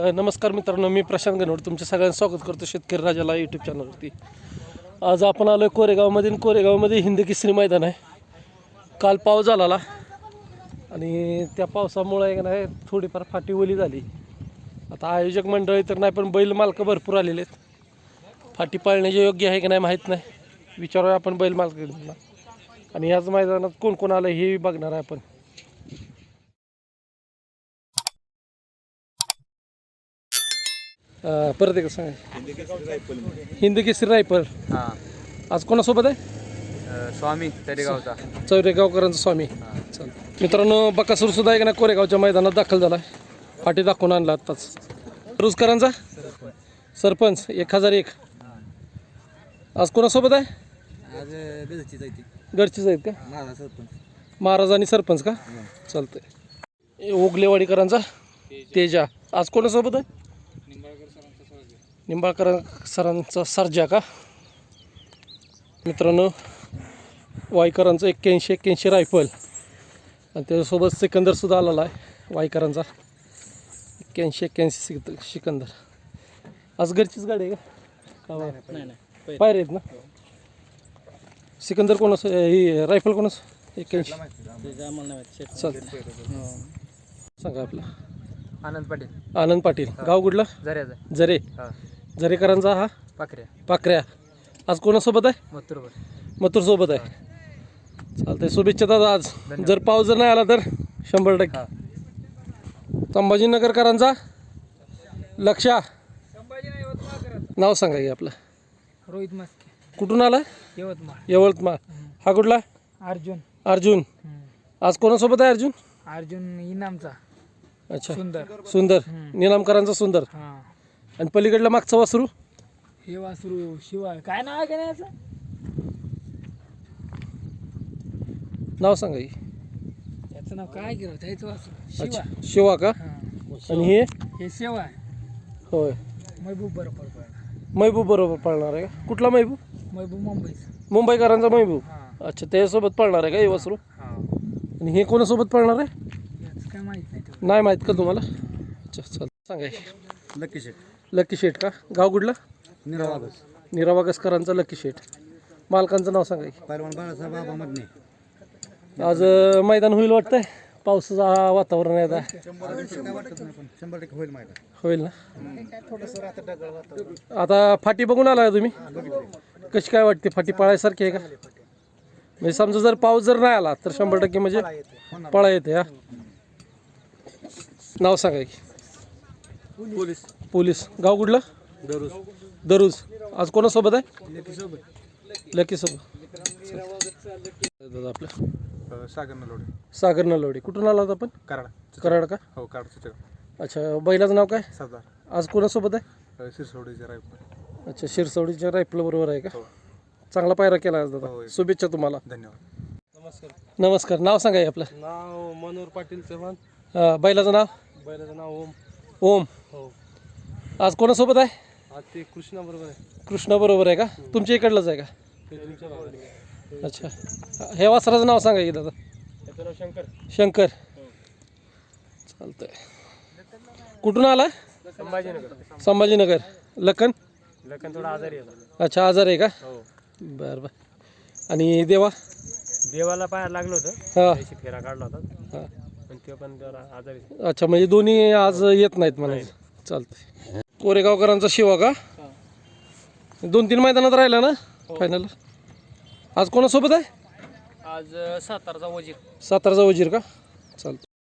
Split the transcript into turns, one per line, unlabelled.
नमस्कार मित्रांनो, मी प्रशांत गणवड तुमच्या सगळ्यांचं स्वागत करतो शेतकरी राजाला यूट्यूब चॅनलवरती. आज आपण आलो आहे कोरेगावमध्ये हिंद केसरी मैदान आहे. काल पाऊस झाला आणि त्या पावसामुळे आहे का नाही थोडीफार फाटी ओली झाली. आता आयोजक मंडळी तर नाही, पण बैल मालकं भरपूर आलेले आहेत. फाटी पाळण्याचे योग्य आहे की नाही माहीत नाही, विचारूया आपण बैल मालकांना. आणि याच मैदानात कोण कोण आलं हे बघणार आहे आपण. परत एक सांगा. हिंद केसरी रायफल.
हां,
आज कोणासोबत आहे?
स्वामी तरेगावचा.
चौरेगावकरांचा स्वामी. मित्रांनो, बकासूर सुद्धा आहे ना कोरेगावच्या मैदानात दाखल झाला आहे. फाटी दाखवून आणला आत्ताच. रुजकरांचा सरपंच 1001. आज कोणासोबत आहे?
आज
गडचीच आहेत का? महाराज आणि सरपंच का? चालतंय. ओगलेवाडीकरांचा तेजा. आज कोणासोबत आहे? निंबाळकर सरांचा सर्जा का? मित्रांनो, वाईकरांचं 81 रायफल आणि त्याच्यासोबत सिकंदरसुद्धा आलेला आहे. वाईकरांचा 81 सिकंदर. आज घरचीच गाडी आहे का? नाही, पायरे आहेत ना. सिकंदर कोणाच? ही रायफल कोणाच? 81. चालतं. सांगा आपला. आनंद पाटील. गाव कुठलं? जरे. जरेकरांचा हा पाखऱ्या. आज कोणासोबत आहे? मथुर सोबत आहे. चालतंय. शुभेच्छा दादा. आज जर पाऊस जर नाही आला तर 100%. संभाजीनगरकरांचा लक्षा. नाव सांगा की आपलं.
रोहित मस्के.
कुठून आला? यवतमाळ. हा कुठला? अर्जुन. आज कोणासोबत आहे
अर्जुन इनामचा.
अच्छा, सुंदर. निनामकरांचा सुंदर. आणि पलीकडला मागचा वासरू?
हे वासरू शिवा. काय नाव आहे का नाही याचं?
नाव सांगा की.
याचं नाव काय केलं त्याचं वासरू?
अच्छा, शिवा का? आणि
हे सेवा आहे.
होय,
महबूब बरोबर पळणार.
महबूब बरोबर पळणार आहे का? कुठला महबूब?
मुंबईचा.
मुंबईकरांचा महबूब.
हां.
अच्छा, त्याच्यासोबत पळणार आहे का हे वासरू? आणि हे कोणासोबत पळणार आहे?
याचं काय माहीत नाही.
नाही माहीत का तुम्हाला? अच्छा, चल सांगा. लकी शेठ का? गाव कुठलं? निरावागसकरांचा लकी शेठ. मालकांचं नाव सांगा की. आज मैदान होईल वाटतंय. पावसाचं वातावरण आहे आता.
100%
होईल ना. आता फाटी बघून आला तुम्ही? कशी काय वाटते? फाटी पळायसारखी आहे का? म्हणजे समजा जर पाऊस जर नाही आला तर 100% म्हणजे पळा येते. हा, नाव सांगा की. पोलीस. गाव कुठलं? दरुज. आज कोणासोबत आहे? लकी सोबत. दादा आपलं सागर नलवडे. कुठून आला होता आपण? कराड का?
हो,
अच्छा, बैलाचं नाव काय?
सरदार.
आज कोणासोबत आहे?
शिरसोडीचे रायफल.
अच्छा, शिरसवडीच्या रायफल बरोबर आहे का? चांगला पायरा केला आज दादा. शुभेच्छा तुम्हाला.
धन्यवाद.
नमस्कार. नाव सांगा की आपलं.
नाव मनोहर पाटील चव्हाण.
बैलाचं नाव?
बैलाचं नाव
ओम.
हो.
आज कोणासोबत आहे?
आज ते कृष्णा बरोबर आहे.
कृष्णा बरोबर आहे का? तुमच्या इकडलंच आहे का? अच्छा, हे वासराचं नाव सांगा की दादा.
त्याचं नाव
शंकर. चालतंय. कुठून आला? संभाजीनगर. लखन
थोडा आजारी आहे.
अच्छा, आजार आहे का?
हो.
बरं. आणि
देवाला पायाला लागलं होतं.
हां
फेरा काढला होता.
हां.
पण ते पण जरा आजारी.
अच्छा, म्हणजे दोन्ही आज येत नाहीत मला. चालतंय. कोरेगावकरांचा शिवा का? 2-3 मैदानात राहिला ना फायनल. आज कोणासोबत आहे?
आज सातारचा
सातारचा वजीर का? चालतं.